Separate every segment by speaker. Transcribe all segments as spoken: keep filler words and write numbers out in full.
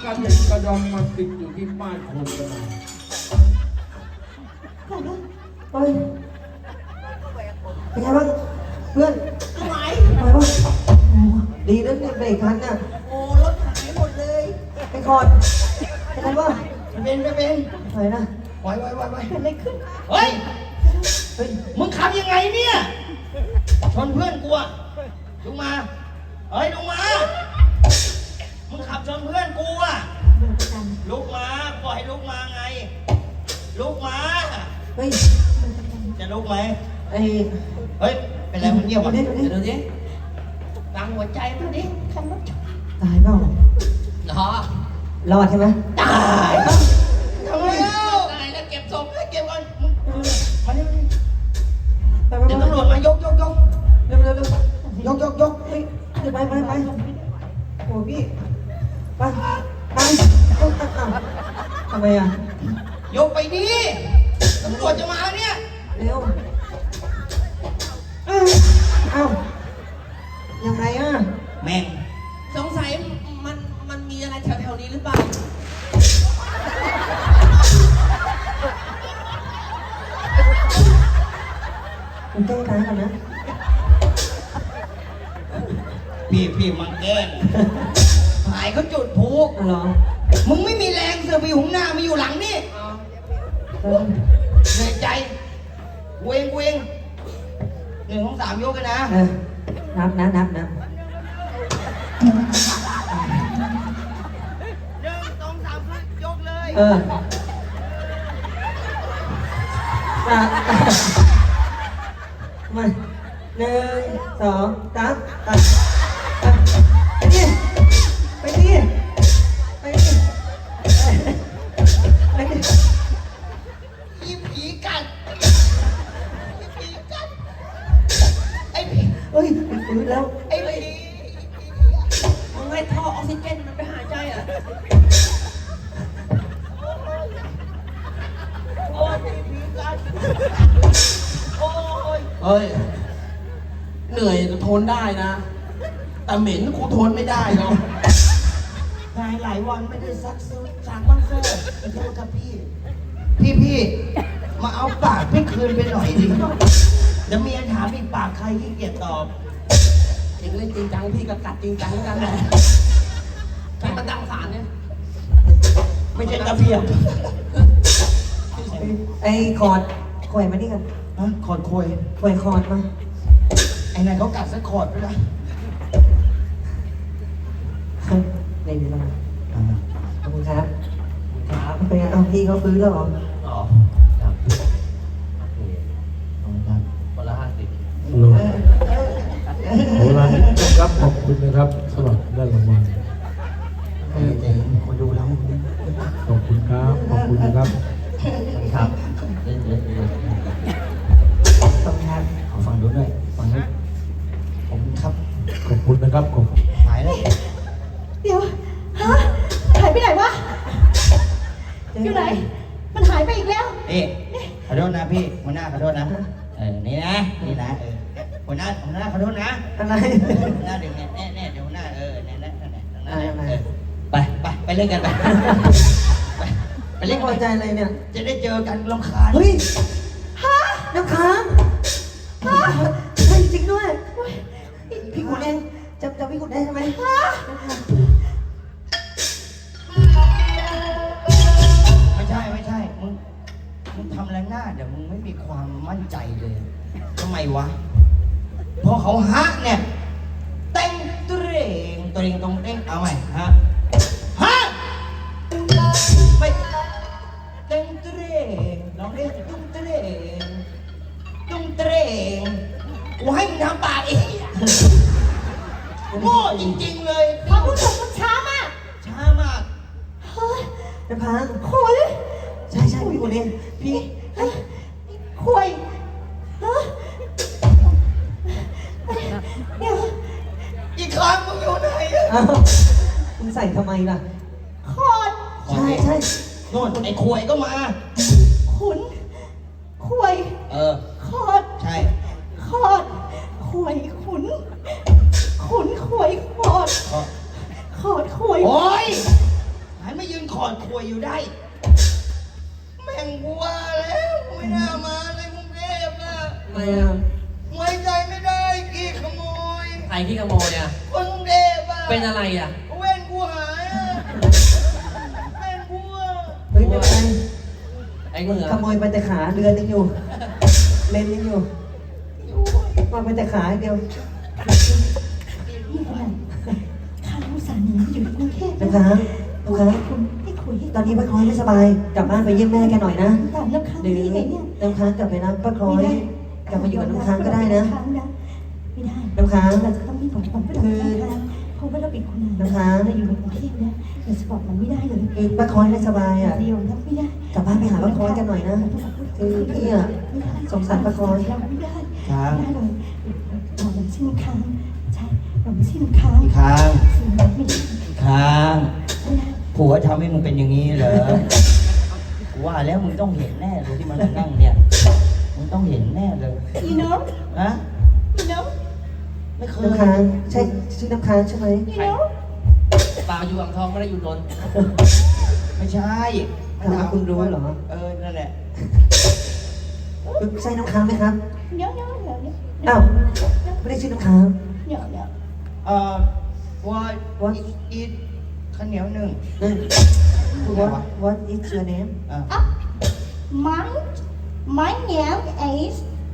Speaker 1: ระเด็นกระดอนมาติดอยู่ที่ป้ายโฆษณา
Speaker 2: เฮ้ยเป็นไงบ้างเพื่อนไหวไหวบ้างดีนะเนี่ยเบรกทันน่ะโอ้รถหายหมดเลยไอ้คอร์ดเป็นไงบ้างเป็นไม่เป็นไหวนะไหวไหวไหวไหวเป็นอะไรขึ้นเฮ้ยเฮ้ยมึงขับยังไงเนี่ยชนเพื่อนกูอะลงมาเฮ้ยลงมามึงขับชนเพื่อนกูอะลุกมาปล่อยให้ลุกมาไงลุกมาเฮ้ยจะลุกไหมเฮ้ยเฮ้ยเป็นไรมึงเงียบวะเดี๋ยวดูดิฟังหัวใจดูดิขับรถตายเปล่าหรอรอดใช่ไหมตายทำไมเอ้าตายแล้วเก็บศพให้เก็บก่อนมาดิเดี๋ยวตำรวจมายกยกยกเร็วเร็วเร็วยกยกยกเฮ้ยไปไปไปโอ้พี่ไปไปทำไมอ่ะยกไปดิตำรวจจะมาเนี่ยเร็วเอ้ายังไงอ่ะแม่ง
Speaker 3: สงสัยมันมันมีอะไรแถวๆนี้หรือเปล่า
Speaker 2: คุณแก้ตายกันนะ
Speaker 1: พี่พี่มันแกล้งหายเขาจุดพลุ
Speaker 2: เหรอ
Speaker 1: มึงไม่มีแรงเสือไปอยู่หน้ามาอยู่หลังนี่เหนื่อยใจเวงเวงหนึ่งของสามยกกันนะ
Speaker 2: นับนับนับนับ
Speaker 1: หนึ่งสองสามยกเลย
Speaker 2: เออมาหนึ่งสองสามตัดไปดิไปดิไปดิไปดิ
Speaker 1: อีผีกัดอีผีกัดไอ้ผี
Speaker 2: เฮ้ยฟื้นแล้ว
Speaker 1: ไอ้ผี
Speaker 3: มึงให้ท่อออกซิเจนมันไปหายใจอ่ะ
Speaker 1: โอ้ยผีกัดโอ้ย
Speaker 4: เฮ้ยเหนื่อยทนได้นะแต่เหม็นกูทนไม่ได้หรอก
Speaker 1: หลายหลายวันไม่ได้ซักซื้อจากบ้านเซ่ขอโทษครับพี่พี่พี่มาเอาปากพี่คืนไปหน่อยดิเดี๋ยวเมียถามอีกปากใครขี้เกียจตอบ
Speaker 4: เองเล่นจริงจังพี่ก็กัดจริงจังกันแหละใช้ประดังสารเนี่ย
Speaker 1: ไม่ใช่กระเพียบ
Speaker 2: ไอ้คอร์ดคอยมาดิกัน
Speaker 1: ฮะคอร์ดคอย
Speaker 2: คอยคอร์ดมา
Speaker 1: ไอ้นายเขากัดสักคอร์ดไปเลย
Speaker 2: ในนี้เราขอบคุณครับครับเป็นไงเอาพี่เขาฟื้นแล้วเหรอ
Speaker 4: อ๋อครับขอบคุณครับคนละห้าสิบ
Speaker 5: โหราณครับขอบคุณนะครับสำหรับได้รางวัล
Speaker 1: คนดูแล้ว
Speaker 5: ขอบคุณครับขอบคุณนะครับ
Speaker 4: ครับเล่นเล่นเล่น
Speaker 2: ขอบคุณครับ
Speaker 1: ขอฟังดูด้วยฟังด้วยผมครับ
Speaker 5: ขอบคุณนะครับขอบ
Speaker 1: หายแล้ว
Speaker 3: เดี๋ยวฮะหายไปไหนวะอยู่ไหนมันหายไปอีกแล้ว
Speaker 1: เอ๊ะขอโทษนะพี่หัวหน้าขอโทษนะเออนี่นะนี่นะเออหัวหน้าหัวหน้าขอโทษนะ
Speaker 2: อะไร
Speaker 1: หัวหน้าเดี๋ยวเนี่ยแน่ๆเดี๋ยวหัวหน้าเออเนี่ยนะไปไปไปเล่นกันไปไปไปเล่น
Speaker 2: พอใจอะไรเนี่ย
Speaker 1: จะได้เจอกันรำคาญ
Speaker 2: เฮ้ยฮะน้ำค้างฮะใช่จริงด้วยพี่ขุนเองจำจำพี่ขุนได้ใช่ไหมฮะ
Speaker 1: ไม่ใช่ไม่ใช่มึงมึงทำอะไรหน้าเดี๋ยวมึงไม่มีความมั่นใจเลยทำไมวะพอเขาฮะเนี่ยเต้งตัวเองตัวเองตรงเต้งเอาใหม่ฮะฮะไม่เต้งตัวเองลองเล่นตุ้งตัวเองตุ้งตัวเองกูให้มึงทำปากเองโง่จริงๆเลย
Speaker 3: พอพูดถึงมันช้ามาก
Speaker 1: ช้ามาก
Speaker 3: เฮ้ย
Speaker 2: น้ำค้าง
Speaker 3: คุย
Speaker 2: ใช่ใช่พี่ขุนเองพี่
Speaker 3: คุยฮะเดี๋ยว
Speaker 1: อีกครั้งมึงอยู่ไหนอ่ะ
Speaker 2: มึงใส่ทำไมล่ะ
Speaker 3: คอด
Speaker 2: ใช่ใช่
Speaker 1: โน่นไอ้ควยก็มา
Speaker 3: ขุนคุย
Speaker 1: เออ
Speaker 3: คอด
Speaker 1: ใช่
Speaker 3: คอดคุยขุนขุนคุยคอดคอดคุย
Speaker 1: โอ้ยใครอดควยอยู่ได้ แม่งกูว่าแล้วกูไม่น่ามาเลยกรุงเทพนะ
Speaker 2: ทำไมอ่ะ
Speaker 1: ไว้ใจไม่ได้กี่ขโมย
Speaker 4: ไอ้ที่ขโมยเนี่ย
Speaker 1: คนกรุงเทพอะ
Speaker 4: เป็นอะไรอ่ะ
Speaker 1: เว้นกูหายอะแม่งกูอะ
Speaker 2: เฮ้ยไม่เป็นไร
Speaker 4: ไอ้เหงื่อ
Speaker 2: ขโมยไปแต่ขาเรือนยังอยู่ เลนยังอยู่มาไปแต่ขาอย่างเดียว
Speaker 3: นี่ขนาดข้าอุตส่าห์หนีมาอยู่ในกรุงเทพ
Speaker 2: น้ำค้างน้ำค้าง
Speaker 3: คุณให้คุยให้
Speaker 2: ตอนนี้ป้าคล้อยไม่สบาย กลับบ้านไปเยี่ยมแม่แกหน่อยนะ
Speaker 3: ตามน้ำค้าง
Speaker 2: หรือ
Speaker 3: ได้ไงเนี่ย
Speaker 2: น้ำค้างกลับไปรับป้าคล้อย กลับมาอยู่กับน้ำค้างก็ได้นะ
Speaker 3: ไม่ได้
Speaker 2: น้ำค้าง
Speaker 3: เราจะต้องรีบบอกก่อนว่าเราเป็นน้ำค้างเพราะว่าเราเป็นคนงาน
Speaker 2: น้ำค้าง
Speaker 3: เราอยู่ในกรุงเทพนะเราจะบอกมันไม่ได้เลย
Speaker 2: คือป้าคล้อยไม่สบายอ่ะ
Speaker 3: เดียวนะไม่ได้
Speaker 2: กลับบ้านไปหาป้าคล้อยกันหน่อยนะ คือพี่อ่ะสงสารป้าคล้อย
Speaker 3: เราไม่ได้
Speaker 1: ค้าง
Speaker 3: ไม่ได้เลยเราไม่ใช่น้ำค้างใช่เราไม่ใช่น้ำค้าง
Speaker 1: ค้าง
Speaker 3: สิ่งนั้นไม่ได้
Speaker 1: ค้าง
Speaker 3: ไม่ได้
Speaker 1: ผัวทำให้มึงเป็นอย่างนี้เหรอกูว่าแล้วมึงต้องเห็นแน่เลยที่มันมานั่งเนี่ยมึงต้องเห็นแน่เลย
Speaker 3: you know
Speaker 1: นะ
Speaker 3: you know
Speaker 1: ไม่เคย
Speaker 2: น้ำค้างใช่ชื่อน้ำค้างใช่ไหม
Speaker 3: you know
Speaker 4: เปล่าอยู่อ่างทองไม่ได้อยู่นนท์
Speaker 1: ไม่ใช่
Speaker 2: ถามว่าคุณรู้เหรอ
Speaker 1: เออนั่นแหละ
Speaker 2: ใช่น้ำค้างไหมครับ
Speaker 3: no no no no
Speaker 2: อ้าวไม่ได้ชื่อน้ำค้าง
Speaker 3: no no
Speaker 1: เอ่อว่าว่าอีทข้าวเหนียวหนึ่ง
Speaker 2: นั่น
Speaker 1: พูดไง
Speaker 2: what
Speaker 1: วะ
Speaker 2: what is your name
Speaker 1: อ่ะ
Speaker 3: up my my name is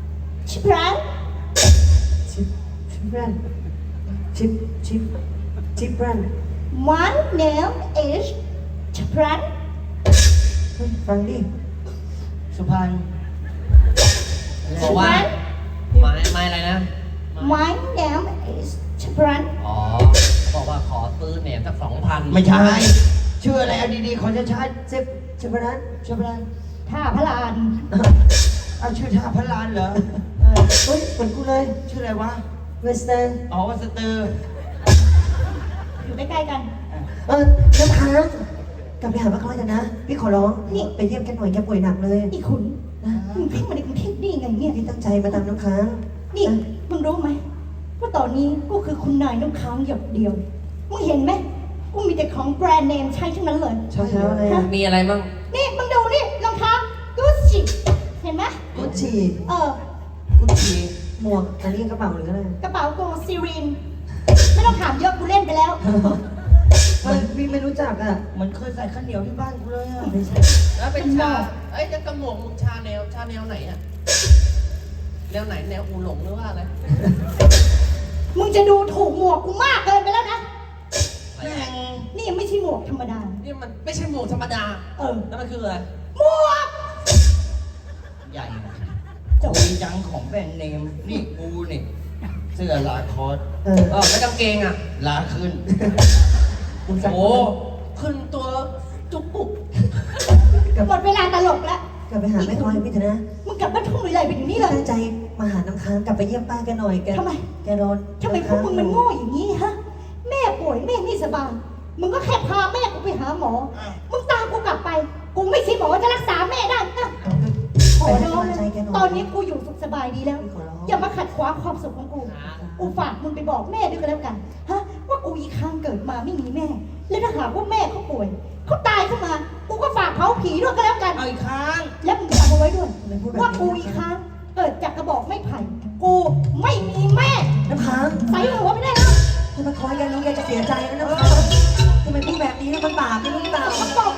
Speaker 3: Chipran
Speaker 2: ชิปชิปแรนชิปชิปชิปแรน
Speaker 3: my name is Chipran
Speaker 2: เฮ้ยฟังดิ
Speaker 1: สุพรรณ
Speaker 4: บอกว่าไม้ไม้อะไรนะ
Speaker 3: my name is Chipran
Speaker 4: อ๋อ บอกว่าขอซื้อแหนมสักสองพัน
Speaker 1: ไม่ใช่ชื่ออะไรเอาดีๆขอจะชัด
Speaker 2: ชิปชิปแรน
Speaker 1: ๆชื่ออะไร
Speaker 3: ท่าพระลาน
Speaker 1: เอาชื่อท่าพระลานเหรอ
Speaker 2: เออเฮ้ยเหมือนกูเลย
Speaker 1: ชื่ออะไรวะ
Speaker 2: เวสเทิร์น
Speaker 1: อ๋อวัสเตอร์
Speaker 3: อยู่ใกล้ๆกัน
Speaker 2: เออน้ำค้างกลับไปหาป้าคล้อยกันนะ พี่ขอร้อง นี่ไปเยี่ยมแกหน่อยแกป่วยหนักเลย
Speaker 3: นี่คุณมึงเข้ามาในกรุงเทพได้ยังไงเนี่ย
Speaker 2: พี่ตั้งใจมาตามน้ำค้าง
Speaker 3: นี่มึงรู้ไหมว่าตอนนี้กูคือคุณนายน้ำค้างหยดเดียว มึงเห็นไหมกูมีแต่ของแบรนด์เนมใช้ทั้งนั้นเลย
Speaker 2: ชอบเท้าอะไรอ่ะ
Speaker 4: มีอะไรมั่ง
Speaker 3: นี่มึงดูนี่รองเท้ากูชิเห็นไหม
Speaker 2: กุชชี่
Speaker 3: เออ
Speaker 1: กุชชี
Speaker 2: หมวกอันนี้กระเป๋าหรืออะไร
Speaker 3: กระเป๋ากูซีรีนไม่ต้องถามเยอะกูเล่นไปแล้ว
Speaker 2: เออพี่ไม่รู้จักอ่ะ
Speaker 1: เหมันเคยใส่ข้าวเหนียวที่บ้านกูเลยอ่ะ
Speaker 2: ไม่ใช่
Speaker 4: แล้วเป็นชาเอ้ยจะกระหม่อมมึงชาแนว ชาแนวไหนอ่ะ แนวไหน แนวอูหลงหรือว่าอะไร
Speaker 3: มึงจะดูถูกหมวกกูมากเกินไปแล้วนะ
Speaker 1: แม่ง
Speaker 3: นี่ยังไม่ใช่หมวกธรรมดา
Speaker 4: นี่มันไม่ใช่หมวกธรรมดา
Speaker 3: เออ
Speaker 4: แล้วมันคืออะไร
Speaker 3: หมวก
Speaker 1: ใหญ่คุยจังของแบรนด์เนมนี่กูนี่เสื้อลาคอส
Speaker 2: เออ
Speaker 4: เออแล้วกางเกงอ่ะ
Speaker 1: ลาขึ้น
Speaker 2: มึงสั่ง
Speaker 4: โอ้ ขึ้นตัวจุกปุก
Speaker 2: กลับ
Speaker 3: หมดเวลาตลกแล้ว
Speaker 2: กลับไปหาแม่คล้อยพี่เถอะนะ
Speaker 3: มึงกลับบ้านทุ่งหรือไรไปอยู่นี่เลย
Speaker 2: ตั้งใจมาหาน้ำค้างกลับไปเยี่ยมป้าแกหน่อยแก
Speaker 3: ทำไม
Speaker 2: แกนอน
Speaker 3: ทำไมพวกมึงมันโง่อย่างนี้ฮะ แม่ป่วยแม่ไม่สบาย มึงก็แค่พาแม่กูไปหาหมอ มึงตามกูกลับไป กูไม่ใช่หมอจะรักษาแม่ได้นะขอ
Speaker 2: ไปให้
Speaker 3: ร้อง
Speaker 2: กำลัง
Speaker 3: นะ
Speaker 2: ใจแกหน่อย
Speaker 3: ตอนนี้กูอยู่สุขสบายดีแล้ว
Speaker 2: ขอร้อง
Speaker 3: อย่ามาขัดขวางความสุขของกู กูฝากมึงไปบอกแม่ด้วยกันแล้วกัน ฮะ ว่ากูอีกครั้งเกิดมาไม่มีแม่ แล้วถ้าหากว่าแม่เขาป่วย เขาตายขึ้นมา กูก็ฝากเผาผีด้วยกันแล้วกัน
Speaker 1: เอาอีกครั้ง
Speaker 3: แล้วมึงจำเอาไว้ด้วย
Speaker 2: ทำไมพูดแบบนี้
Speaker 3: ว่ากูอีกครั้งเกิดจากกระบอกไม้ไผ่ กูไม่มีแม่
Speaker 2: น้ำค้าง
Speaker 3: ใส่หัวไม่ได้แล้ว
Speaker 2: ถ้าแม่คล้อยแกรู้แกจะเสียใจนะน้ำค้างทำไมพูดแบบนี้มันบาปไม่รู้หรือเปล่า
Speaker 3: มันบอก